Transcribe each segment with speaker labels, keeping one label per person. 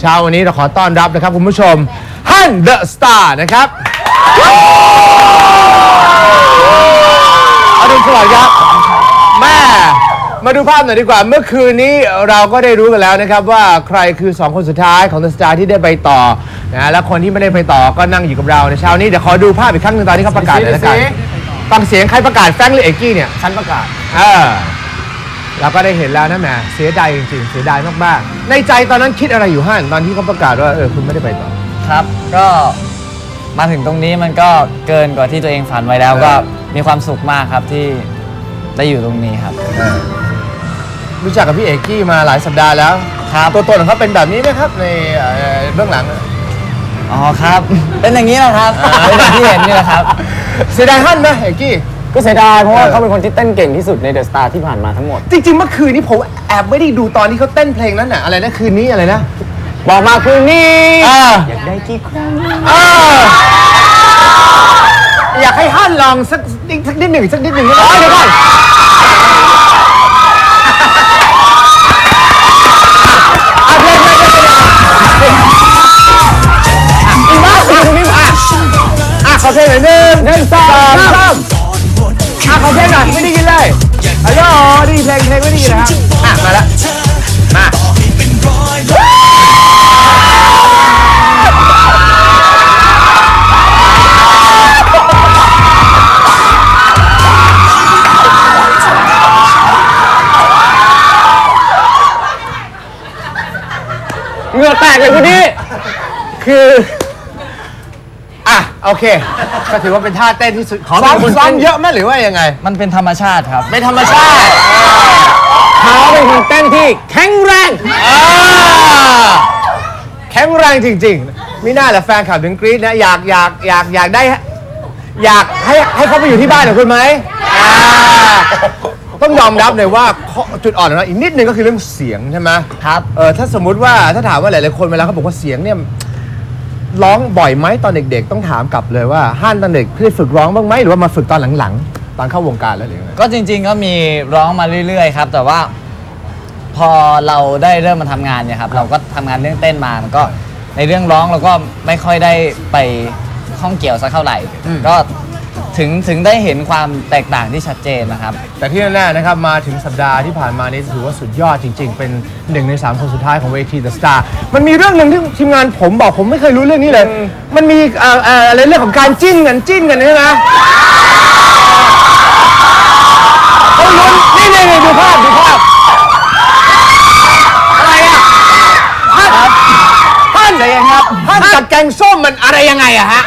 Speaker 1: เช้าวันนี้เราขอต้อนรับนะครับคุณผู้ชมฮั่นเดอะสตาร์นะครับอรุณสวัสดิ์ครับแม่มาดูภาพหน่อยดีกว่าเมื่อคืนนี้เราก็ได้รู้กันแล้วนะครับว่าใครคือ2คนสุดท้ายของเดอะสตาร์ที่ได้ไปต่อนะและคนที่ไม่ได้ไปต่อก็นั่งอยู่กับเราในเช้านี้เดี๋ยวขอดูภาพอีกครั้งหนึ่งตอนที่เขาประกาศเลยละกันฟังเสียงใครประกาศแฟรงค์หรือเอกกี้เนี่ยฉันประกาศเราก็ได้เห็นแล้วนะแม่เสียดายจริงๆเสียดายมากๆในใจตอนนั้นคิดอะไรอยู่ฮั่นตอนที่เขาประกาศว่าคุณไม่ได้ไปต่อ
Speaker 2: ครับก็มาถึงตรงนี้มันก็เกินกว่าที่ตัวเองฝันไว้แล้วก็มีความสุขมากครับที่ได้อยู่ตรงนี้ครับ
Speaker 1: รู้จักกับพี่เอกกี้มาหลายสัปดาห์แล้วครับตัวตนของเขาเป็นแบบนี้ไหมครับในเบื้องหลัง
Speaker 2: อ๋อครับเป็นอย่างนี้แหละครับเป็นอย่างที่เห็นนี่แหละครับ
Speaker 1: เสียดายฮั่นไหมเอกกี้
Speaker 3: ก็เสียดายเพราะว่าเขาเป็นคนที่เต้นเก่งที่สุดในเดอะสตาร์ที่ผ่านมาทั้งหมด
Speaker 1: จริงๆเมื่อคืนนี้ผมแอบไม่ได้ดูตอนที่เขาเต้นเพลงนั้นน่ะอะไรนะคืนนี้อะไรนะ
Speaker 3: บอกมาคืนนี้อยากได้กี่ครั้ง
Speaker 1: อยากให้ฮั่นลองสักนิดหนึ่งก็ได้เดี๋ยวก่อนขอเพลงหน่อย1 2 3ขอเพลงหน่อยไม่ได้ยินเลยฮัลโหลดีเพลงไม่ได้ยินนะครับมาแล้วมา
Speaker 3: เหงื่อแตกเลยคุณนี่
Speaker 1: คือโอเคก็ถือว่าเป็นท่าเต้นที่สุดของซ้อมเยอะไหมหรือว่ายังไง
Speaker 2: มันเป็นธรรมชาติครับ
Speaker 1: ไม่ธรรมชาติ
Speaker 3: เขาเป็นคนเต้นที่แข็งแรง
Speaker 1: แข็งแรงจริงๆมิน่าแหละแฟนคลับถึงกรี๊ดนะอยากได้อยากให้เขาไปอยู่ที่บ้านของคุณไหมต้องยอมรับเลยว่าจุดอ่อนของเราอีกนิดนึงก็คือเรื่องเสียงใช่ไหม
Speaker 2: ครับ
Speaker 1: ถ้าสมมุติว่าถ้าถามว่าหลายๆคนเวลาเขาบอกว่าเสียงเนี่ยร้องบ่อยไหมตอนเด็กๆต้องถามกลับเลยว่าฮั่นตอนเด็กได้ฝึกร้องบ้างไหมหรือว่ามาฝึกตอนหลังๆตอนเข้าวงการแล้วหรือไง
Speaker 2: ก็จริงๆก็มีร้องมาเรื่อยๆครับแต่ว่าพอเราได้เริ่มมาทำงานเนี่ยครับเราก็ทำงานเรื่องเต้นมามันก็ในเรื่องร้องเราก็ไม่ค่อยได้ไปข้องเกี่ยวสักเท่าไหร่ก็ถึงได้เห็นความแตกต่างที่ชัดเจนนะครับ
Speaker 1: แต่ที่แน่ๆนะครับมาถึงสัปดาห์ที่ผ่านมานี้ถือว่าสุดยอดจริงๆเป็น1 ใน 3คนสุดท้ายของเวที The Star มันมีเรื่องหนึ่งที่ทีมงานผมบอกผมไม่เคยรู้เรื่องนี้เลยมันมีอะไรเรื่องของการจิ้นกันใช่ไหมเขาลุ้นนี่ดูภาพอะไรอ่ะฮั่นอะไรยังครับฮั่นกับแกงส้มมันอะไรยังไงอะฮะ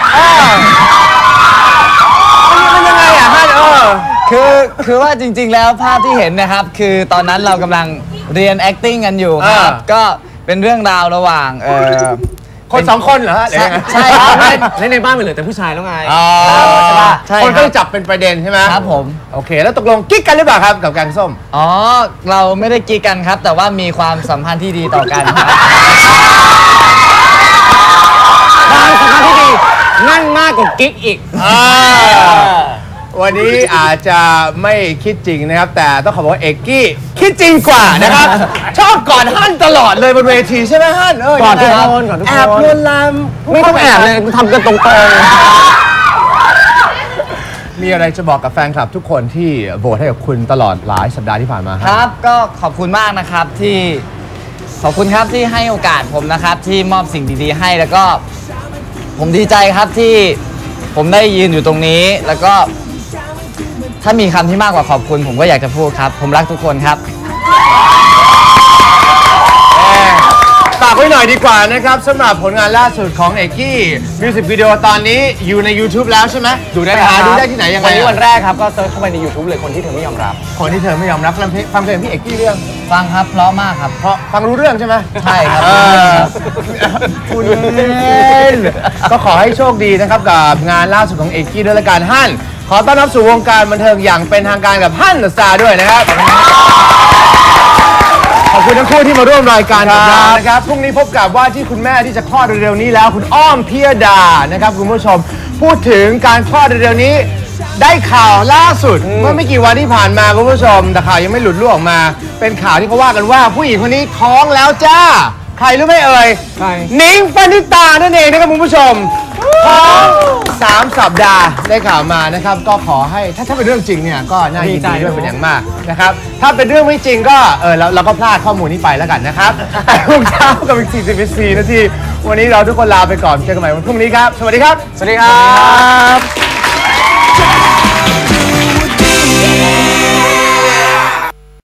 Speaker 1: มันยังไงอะฮั่น
Speaker 2: คือว่าจริงๆแล้วภาพที่เห็นนะครับคือตอนนั้นเรากำลังเรียน acting กันอยู่ครับก็เป็นเรื่องราวระหว่าง
Speaker 1: คน2 คนเหรอฮะ
Speaker 2: ใช่ครับ
Speaker 3: ในบ้านมันเหลือแต่ผู้ชายแล้วไง
Speaker 1: ใช่ป่ะคนก็จับเป็นประเด็นใช่ไหม
Speaker 2: ครับผม
Speaker 1: โอเคแล้วตกลงกิ๊กกันหรือเปล่าครับกับแกงส้ม
Speaker 2: เราไม่ได้กิ๊กกันครับแต่ว่ามีความสัมพันธ์ที่ดีต่อกันครับ
Speaker 3: ความสัมพันธ์ที่ดีนั่นมากกว่ากิ๊กอีก
Speaker 1: วันนี้อาจจะไม่คิดจริงนะครับแต่ต้องขอบอกว่าเอกกี้คิดจริงกว่านะครับชอบกอดฮั่นตลอดเลยบนเวทีใช่ไหมฮั่น
Speaker 3: กอดทุกคน
Speaker 1: แอบลวนลาม
Speaker 3: ไม่ต้องแอบเลยทำกันตรง
Speaker 1: ๆมีอะไรจะบอกกับแฟนคลับทุกคนที่โหวตให้กับคุณตลอดหลายสัปดาห์ที่ผ่านมา
Speaker 2: ครับก็ขอบคุณมากนะครับที่ขอบคุณครับที่ให้โอกาสผมนะครับที่มอบสิ่งดีๆให้แล้วก็ผมดีใจครับที่ผมได้ยืนอยู่ตรงนี้แล้วก็ถ้ามีคำที่มากกว่าขอบคุณผมก็อยากจะพูดครับผมรักทุกคนครับ
Speaker 1: ฝากไว้หน่อยดีกว่านะครับสำหรับผลงานล่าสุดของเอกกี้มิวสิกวิดีโอตอนนี้อยู่ใน YouTube แล้วใช่ไหมดูได้ที่ไหนยังไง
Speaker 3: วันนี้วันแรกครับก็เซิร์ชเข้าไปใน YouTube เลยคนที่เธอไม่ยอมรับ
Speaker 1: คนที่เธอไม่ยอมรับฟังเพลงพี่เอกกี้เรื่อง
Speaker 2: ฟังครับเพราะมากครับ
Speaker 1: เพราะฟังรู้เรื่องใช่ไหม
Speaker 2: ใช่ครับ
Speaker 1: คุณก็ขอให้โชคดีนะครับกับงานล่าสุดของเอกกี้ด้วยละกันฮั่นขอต้อนรับสู่วงการบันเทิงอย่างเป็นทางการกับฮั่นเดอะสตาร์ด้วยนะครับขอบคุณทั้งคู่ที่มาร่วมรายการกับเรานะครับพรุ่งนี้พบกับว่าที่คุณแม่ที่จะคลอดเร็วๆนี้แล้วคุณอ้อมพิยดานะครับคุณผู้ชมพูดถึงการคลอดเร็วๆนี้ได้ข่าวล่าสุดเมื่อไม่กี่วันที่ผ่านมาคุณผู้ชมแต่ข่าวยังไม่หลุดล่วงออกมาเป็นข่าวที่เขาว่ากันว่าผู้หญิงคนนี้ท้องแล้วจ้าใครรู้ไหมเอ่ย
Speaker 3: ใคร
Speaker 1: นิ้งปณิตานั่นเองนะครับคุณผู้ชมท้อง3 สัปดาห์ได้ข่าวมานะครับก็ขอให้ถ้าเป็นเรื่องจริงเนี่ยก็น่ายินดีด้วยเป็นอย่างมากนะครับถ้าเป็นเรื่องไม่จริงก็เราก็พลาดข้อมูลนี้ไปแล้วกันนะครับทุกเช้ากับอีก44 นาทีวันนี้เราทุกคนลาไปก่อนเจอกันใหม่วันพรุ่งนี้ครับสวัสดีครับ
Speaker 3: สวัสดีครับ